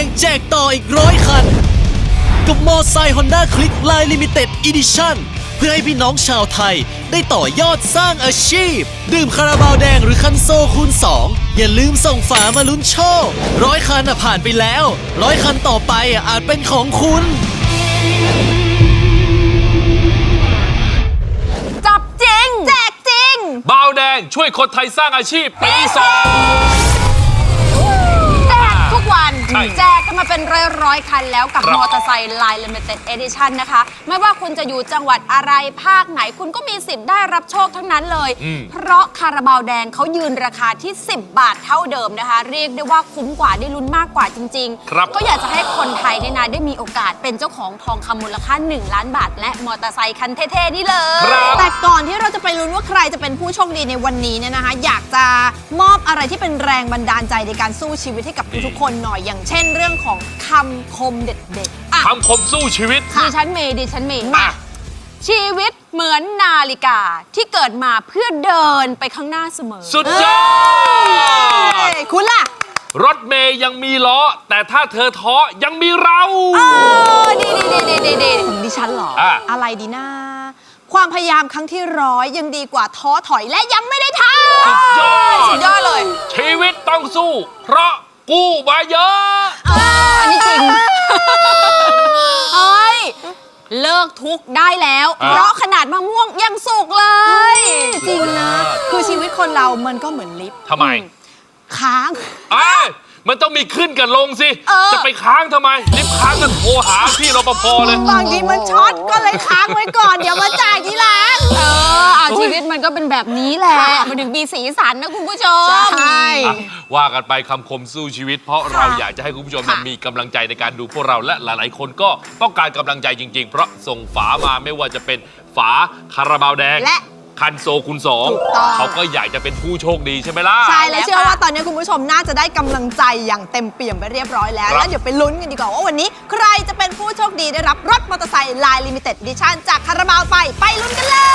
งแจกต่ออีก100 คัน กับมอไซค์ Honda Click Line Limited Edition เพื่อให้พี่น้องชาวไทยได้ต่อยอดสร้างอาชีพดื่มคาราบาวแดงหรือคันโซคูณ 2อย่าลืมส่งฝามาลุ้นโชค100 คันผ่านไปแล้ว100 คันต่อไปอาจเป็นของคุณจับจริงแจกจริงบาวแดงช่วยคนไทยสร้างอาชีพปี 2 แจกทุกวันใช่แจกกันมาเป็นร้อยคันแล้วกับครับมอเตอร์ไซค์ Line Limited Edition นะคะ ไม่ว่าคุณจะอยู่จังหวัดอะไรภาคไหนคุณก็มีสิทธิ์ได้รับโชคทั้งนั้นเลย เพราะคาราบาวแดงเขายืนราคาที่ 10 บาทเท่าเดิมนะคะ เรียกได้ว่าคุ้มกว่าได้ลุ้นมากกว่าจริงครับก็อยากจะให้คนไทยเนี่ยนะได้มีโอกาสเป็นเจ้าของทองคำมูลค่า 1 ล้านบาท และมอเตอร์ไซค์คันเท่ๆนี่เลยครับแต่ก่อนที่เราจะไปลุ้นว่าใครจะเป็นผู้โชคดีในวันนี้เนี่ยนะคะ อยากจะมอบอะไรที่เป็นแรงบันดาลใจในการสู้ชีวิตให้กับทุกๆคนหน่อยอย่างเช่นเรื่องของคำคมเด็ดๆอ่ะคำคมสู้ชีวิตดิฉันเมย์มาชีวิตเหมือนนาฬิกาที่เกิดมาเพื่อเดินไปข้างหน้าเสมอสุดยอดคุณล่ะรถเมย์ยังมีล้อ แต่ถ้าเธอท้อยังมีเราดีของดิฉันเหรออ่ะอะไรดีนะ ความพยายามครั้งที่100ยังดีกว่าท้อถอยและยังไม่ได้ทำสุดยอดเลยชีวิตต้องสู้ เพราะกู้มาเยอะอันนี้จริง เฮ้ย เลิกทุกข์ได้แล้วอ่ะเพราะขนาดมะม่วงยังสุกเลยจริงนะ คือชีวิตคนเรามันก็เหมือนลิฟต์ทำไมค้างเอ้ยมันต้องมีขึ้นกับลงสิเออจะไปค้างทำไม ลิฟต์ค้างกันโทรหาพี่รปภเลยบางทีมันช็อตก็เลยค้างไว้ก่อน เดี๋ยวมาจ่ายทีหลังชีวิตมันก็เป็นแบบนี้แหละ มันถึงมีสีสันนะคุณผู้ชมใช่อ่ะว่ากันไปคำคมสู้ชีวิต เพราะเราอยากจะให้คุณผู้ชมค่ะมีกำลังใจในการดูพวกเราและหลายๆ คนก็ต้องการกำลังใจจริง ๆ เพราะส่งฝามาไม่ว่าจะเป็นฝาคาราบาวแดงและคันโซคูณถูกต้อง 2เขาก็อยากจะเป็นผู้โชคดีใช่ไหมล่ะใช่แล้วเชื่อว่าตอนนี้คุณผู้ชมน่าจะได้กำลังใจอย่างเต็มเปี่ยมไปเรียบร้อยแล้วครับแล้วเดี๋ยวไปลุ้นกันดีกว่าว่าวันนี้ใครจะเป็นผู้โชคดีได้รับรถมอเตอร์ไซค์ Line Limited Edition จากคาราบาวไปลุ้นกันเลย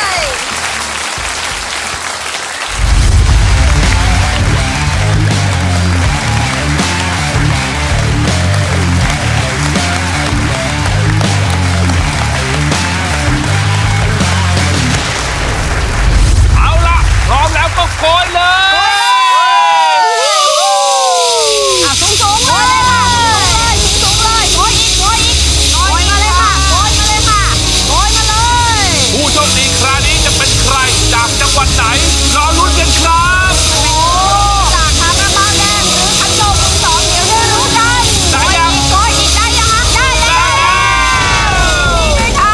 เอาล่ะ พร้อมแล้วก็โกยเลยสูงเลยค่ะสูงเลยโกยอีกโกยมาเลยค่ะโกยมาเลยค่ะโกยมาเลยผู้โชคดีคราวนี้จะเป็นใครจากจังหวัดไหนรอลุ้นกันครับจากคาราบาวแดงหรือคันโซคูณ2เดี๋ยวได้รู้กันได้ยังโกยอีกได้ยังคะได้แล้วเลยค่ะ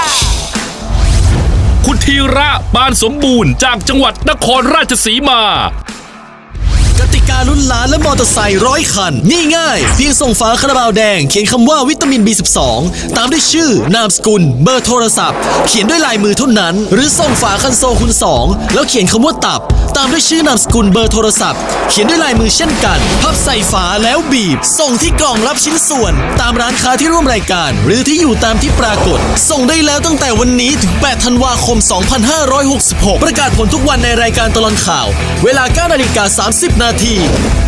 คุณธีระปานสมบูรณ์จากจังหวัดนครราชสีมากติกาลุ้นล้านและมอเตอร์ไซค์100 คันนี่ง่ายเพียงส่งฝาคาราบาวแดงเขียนคำว่าวิตามิน B12 ตามด้วยชื่อนามสกุลเบอร์โทรศัพท์ เขียนด้วยลายมือเท่านั้น หรือส่งฝาคันโซคูณ 2แล้วเขียนคำว่าตับ ตามด้วยชื่อนามสกุลเบอร์โทรศัพท์ เขียนด้วยลายมือเช่นกันพับใส่ฝาแล้วบีบ ส่งที่กล่องรับชิ้นส่วน ตามร้านค้าที่ร่วมรายการ หรือที่อยู่ตามที่ปรากฏ ส่งได้แล้วตั้งแต่วันนี้ถึง 8 ธันวาคม 2566 ประกาศผลทุกวันในรายการตลอดข่าว เวลา 9:30 นาที